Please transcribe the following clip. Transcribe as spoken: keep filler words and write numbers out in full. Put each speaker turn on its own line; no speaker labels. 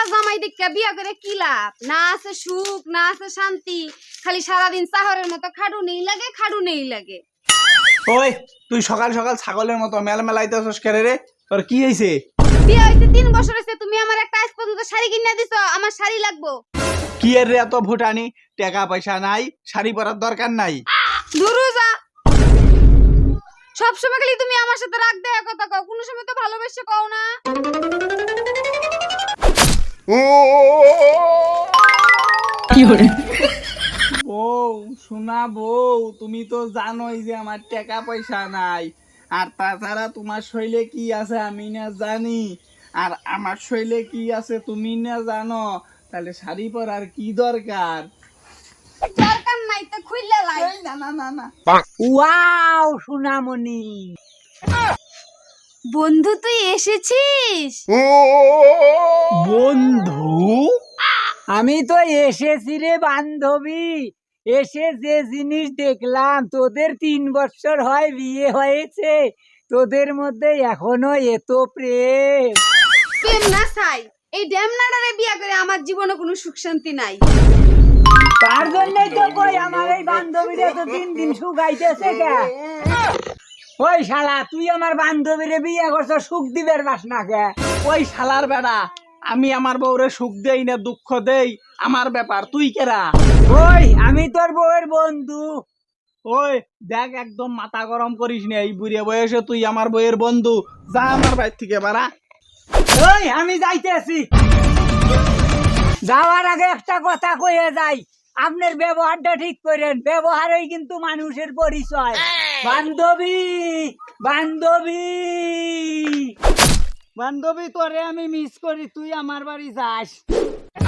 পোলা জামাই দেখে বিয়া করে কি লাভ? না আছে সুখ, না আছে শান্তি, খালি সারাদিন চাহরের মতো খাডু নেই লাগে, খাডু নেই লাগে।
ওই তুই সকাল সকাল ছাগলের মতো মেল মেলাইতেছস কেরে রে? তোর কি হইছে?
বিয়া হইছে তিন বছর হইছে, তুমি আমার একটা আজ পর্যন্ত শাড়ি কিনে দিছো, আমার শাড়ি লাগবো।
কি এর রে এত ভুটানি? টাকা পয়সা নাই, শাড়ি পরার দরকার নাই।
দূরু যা। সব সময় খালি তুমি আমার সাথে রাগ দেয়া কথা কও, কোনো সময় তো ভালোবেসে কও না।
বউ শোনা বউ, তুমি তো জানোই যে আমার টাকা পয়সা নাই, আর তাছাড়া তোমার শৈলে কি আছে আমি না জানি, আর আমার শৈলে কি আছে তুমি না জানো, তাহলে শাড়ি পরার কি দরকার?
দরকার নাই তো খুইলা লাই।
এই না না না না।
ওয়াও সোনামণি,
বন্ধু তুই এসেছিস?
বন্ধু?
আমি তো এসেছি রে বান্ধবী। এসে যে জিনিস দেখলাম, তোদের তিন বছর হয় বিয়ে হয়েছে, তোদের মধ্যে এখনো এত প্রেম।
প্রেম না চাই, এই ড্যামনাডারে বিয়া করে আমার জীবনে কোনো সুখ শান্তি নাই।
তার জন্যই তো কই আমার এই বান্ধবীরা তো দিন দিন শুকাইতেছে কে। ওই শালা, তুই আমার বান্ধবীরে বিয়ে করছ, সুখ দিবের বাস না কে?
ওই শালার বেড়া, আমি আমার বউরে সুখ দেই না দুঃখ দেই, আমার ব্যাপার, তুই কেরা?
ওই আমি তোর বউয়ের বন্ধু।
ওই দেখ, একদম মাথা গরম করিস না, এই বুড়ে বয়সে তুই আমার বউয়ের বন্ধু, যা আমার বাড়ি থেকে বাড়া।
ওই আমি যাইতেছি, যাওয়ার আগে একটা কথা কয়ে যাই, আপনার ব্যবহারটা ঠিক করেন, ব্যবহারই কিন্তু মানুষের পরিচয়। বান্ধবী বান্ধবী বান্ধবী, তোরে আমি মিস করি, তুই আমার বাড়ি যাস।